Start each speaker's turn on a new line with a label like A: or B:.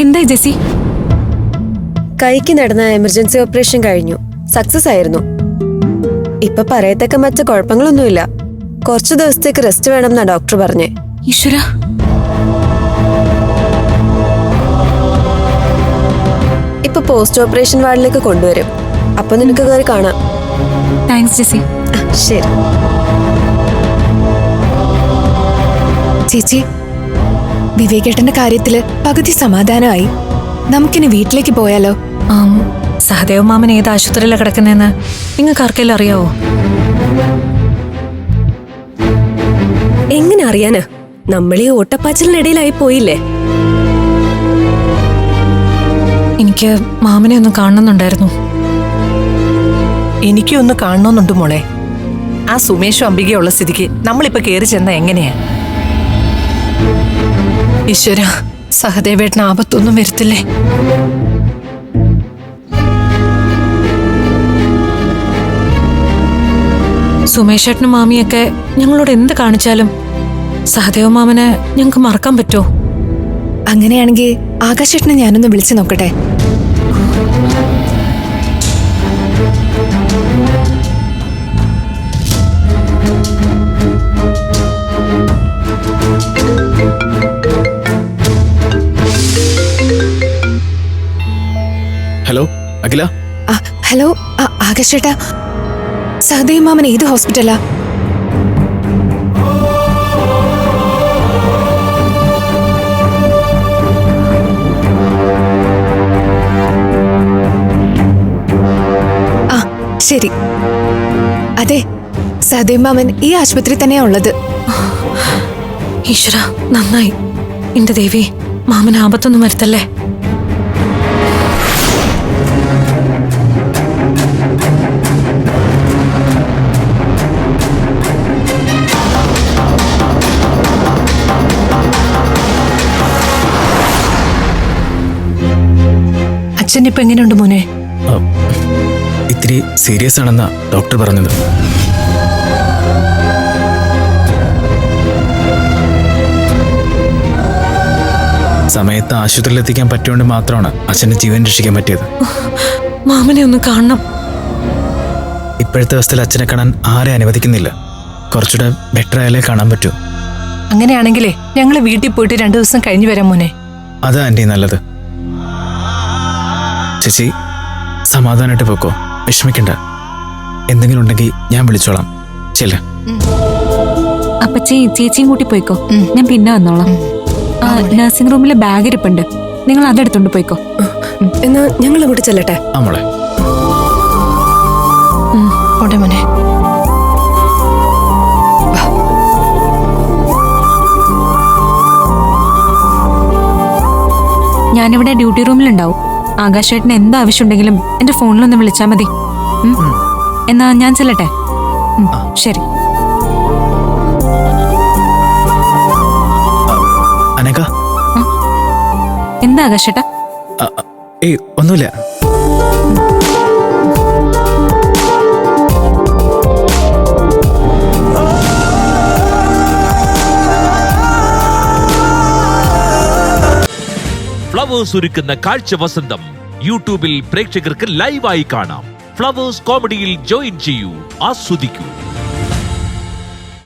A: എന്തായി ജെസി?
B: കൈക്ക് നടന്ന എമർജൻസി ഓപ്പറേഷൻ കഴിഞ്ഞു. സക്സസ് ആയിരുന്നു. ഇപ്പൊ പറയത്തക്ക മറ്റു കുഴപ്പങ്ങളൊന്നുമില്ല. കുറച്ചു ദിവസത്തേക്ക് റെസ്റ്റ് വേണമെന്നാ ഡോക്ടർ പറഞ്ഞേ.
A: ഈശ്വര,
B: ഇപ്പൊ പോസ്റ്റ് ഓപ്പറേഷൻ വാർഡിലേക്ക് കൊണ്ടുവരും. അപ്പൊ നിനക്ക് കയറി കാണാം.
A: താങ്ക്സ് ജെസി.
B: ശരി
C: ചേച്ചി, വിവേകേട്ടന്റെ കാര്യത്തില് പകുതി സമാധാനമായി. നമുക്കിനി വീട്ടിലേക്ക് പോയാലോ?
A: സഹദേവ് മാമൻ ഏത് ആശുപത്രിയിലാണ് കിടക്കുന്നതെന്ന് നിങ്ങൾക്ക് ആർക്കെല്ലാം അറിയാവോ?
B: എങ്ങനെ അറിയാനാ? നമ്മളീ ഓട്ടപ്പാച്ചിലിനിടയിലായി പോയില്ലേ.
A: എനിക്ക് മാമനെ ഒന്ന് കാണണമെന്നുണ്ടായിരുന്നു.
D: എനിക്കും ഒന്ന് കാണണമെന്നുണ്ട് മോളെ. ആ സുമേഷും അംബികയുള്ള സ്ഥിതിക്ക് നമ്മളിപ്പോ കേറി ചെന്ന എങ്ങനെയാ? ഈശ്വര, സഹദേവേട്ടന് ആപത്തൊന്നും വരുത്തില്ലേ?
A: സുമേഷേട്ടനും മാമിയൊക്കെ ഞങ്ങളോട് എന്ത് കാണിച്ചാലും സഹദേവ് മാമനെ ഞങ്ങൾക്ക് മറക്കാൻ പറ്റുമോ?
C: അങ്ങനെയാണെങ്കിൽ ആകാശേട്ടനെ ഞാനൊന്ന് വിളിച്ചു നോക്കട്ടെ.
E: ഹലോ അഖില.
C: ഹലോ ആകാശേട്ടാ, സഹദേവ് മാമൻ ഏത് ഹോസ്പിറ്റലാ? ശരി, അതെ, സഹദേവ് മാമൻ ഈ ആശുപത്രി തന്നെയാ ഉള്ളത്.
A: ഈശ്വര, നന്നായി. എന്റെ ദേവി, മാമന് ആപത്തൊന്നും വരുത്തല്ലേ.
D: അച്ഛൻ ഇപ്പൊ എങ്ങനെയുണ്ട് മോനെ?
E: ഇത്തിരി സീരിയസ് ആണെന്നാ ഡോക്ടർ പറഞ്ഞത്. സമയത്ത് ആശുപത്രിയിൽ എത്തിക്കാൻ പറ്റുകൊണ്ട് മാത്രമാണ് അച്ഛൻ്റെ ജീവൻ രക്ഷിക്കാൻ പറ്റിയത്.
A: മാമനെ ഒന്ന് കാണണം.
E: ഇപ്പോഴത്തെ അവസ്ഥയിൽ അച്ഛനെ കാണാൻ ആരെ അനുവദിക്കുന്നില്ല. കുറച്ചുകൂടെ ബെറ്റർ ആയാലേ കാണാൻ പറ്റൂ.
D: അങ്ങനെയാണെങ്കിലേ ഞങ്ങൾ വീട്ടിൽ പോയിട്ട് 2 ദിവസം കഴിഞ്ഞു വരാം മോനെ.
E: അതാ ആൻറ്റി നല്ലത്. ചേച്ചി സമാധാനമായിട്ട് പോക്കോ, വിഷമിക്കണ്ട. എന്തെങ്കിലും ഉണ്ടെങ്കിൽ ഞാൻ വിളിച്ചോളാം. ചെല്ല.
A: അപ്പച്ചി ചേച്ചിയും കൂട്ടി പോയിക്കോ, ഞാൻ പിന്നെ വന്നോളാം. നഴ്സിംഗ് റൂമിലെ ബാഗ് ഇരിപ്പുണ്ട്, നിങ്ങൾ അതെടുത്തോണ്ട് പോയിക്കോ.
B: എന്നാ ഞങ്ങൾ അങ്ങോട്ട് ചെല്ലട്ടെ.
E: മോളെ.
D: ഓടെ മോനെ.
A: ഞാനിവിടെ ഡ്യൂട്ടി റൂമിലുണ്ടാവും. ആകാശേട്ടന് എന്ത് ആവശ്യമുണ്ടെങ്കിലും എന്റെ ഫോണിലൊന്ന് വിളിച്ചാൽ മതി. എന്നാ ഞാൻ ചെല്ലട്ടെ. ശരി.
E: അനക,
A: എന്താ ആകാശേട്ടാ?
E: ഏയ് ഒന്നുമില്ല.
F: ഫ്ലവേഴ്സ് ഒരുക്കുന്ന കാഴ്ച വസന്തം യൂട്യൂബിൽ പ്രേക്ഷകർക്ക് ലൈവായി കാണാം. ഫ്ലവേഴ്സ് കോമഡിയിൽ ജോയിൻ ചെയ്യൂ, ആസ്വദിക്കൂ.